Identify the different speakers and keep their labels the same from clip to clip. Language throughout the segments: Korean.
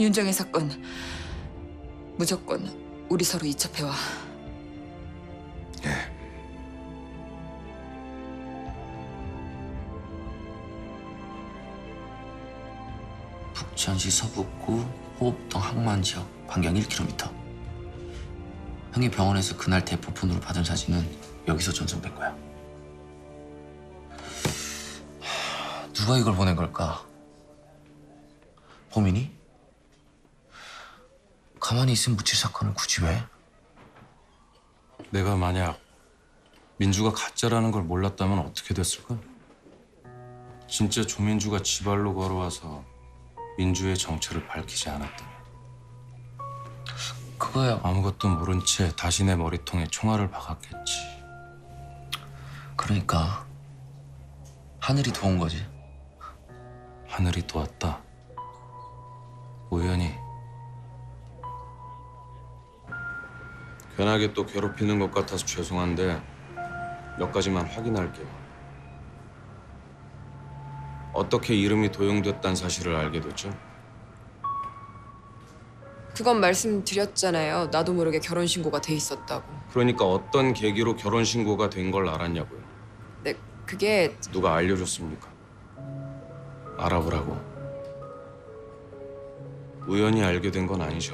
Speaker 1: 윤정의 사건 무조건 우리 서로 이첩해와.
Speaker 2: 예.
Speaker 3: 북천시 서북구 호흡동 항만 지역 반경 1km. 형이 병원에서 그날 대포폰으로 받은 사진은 여기서 전송된 거야. 누가 이걸 보낸 걸까? 범인이? 가만히 있으면 묻힐 사건을 굳이 왜?
Speaker 4: 내가 만약 민주가 가짜라는 걸 몰랐다면 어떻게 됐을까? 진짜 조민주가 지발로 걸어와서 민주의 정체를 밝히지 않았다면
Speaker 3: 그거야.
Speaker 4: 아무것도 모른 채 다시 내 머리통에 총알을 박았겠지.
Speaker 3: 그러니까 하늘이 도운 거지.
Speaker 4: 하늘이 도왔다. 우연히. 괜하게 또 괴롭히는 것 같아서 죄송한데 몇 가지만 확인할게요. 어떻게 이름이 도용됐다는 사실을 알게 됐죠?
Speaker 5: 그건 말씀드렸잖아요. 나도 모르게 결혼신고가 돼 있었다고.
Speaker 4: 그러니까 어떤 계기로 결혼신고가 된 걸 알았냐고요.
Speaker 5: 네, 그게
Speaker 4: 누가 알려줬습니까? 알아보라고. 우연히 알게 된 건 아니죠.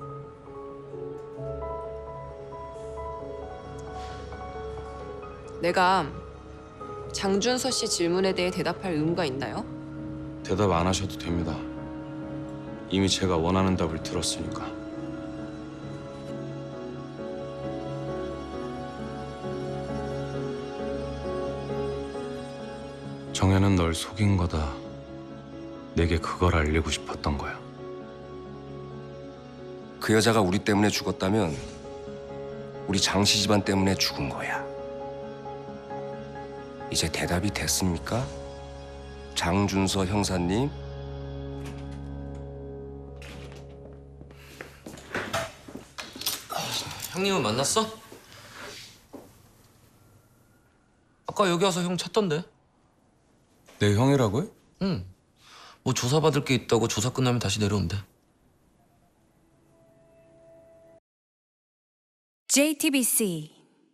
Speaker 5: 내가 장준서 씨 질문에 대해 대답할 의무가 있나요?
Speaker 4: 대답 안 하셔도 됩니다. 이미 제가 원하는 답을 들었으니까. 정혜는 널 속인 거다. 내게 그걸 알리고 싶었던 거야.
Speaker 2: 그 여자가 우리 때문에 죽었다면 우리 장씨 집안 때문에 죽은 거야. 이제 대답이 됐습니까? 장준서 형사님?
Speaker 3: 형님은 만났어? 아까 여기 와서 형 찾던데.
Speaker 4: 내 형이라고요?
Speaker 3: 응. 뭐 조사받을 게 있다고 조사 끝나면 다시 내려온대.
Speaker 6: JTBC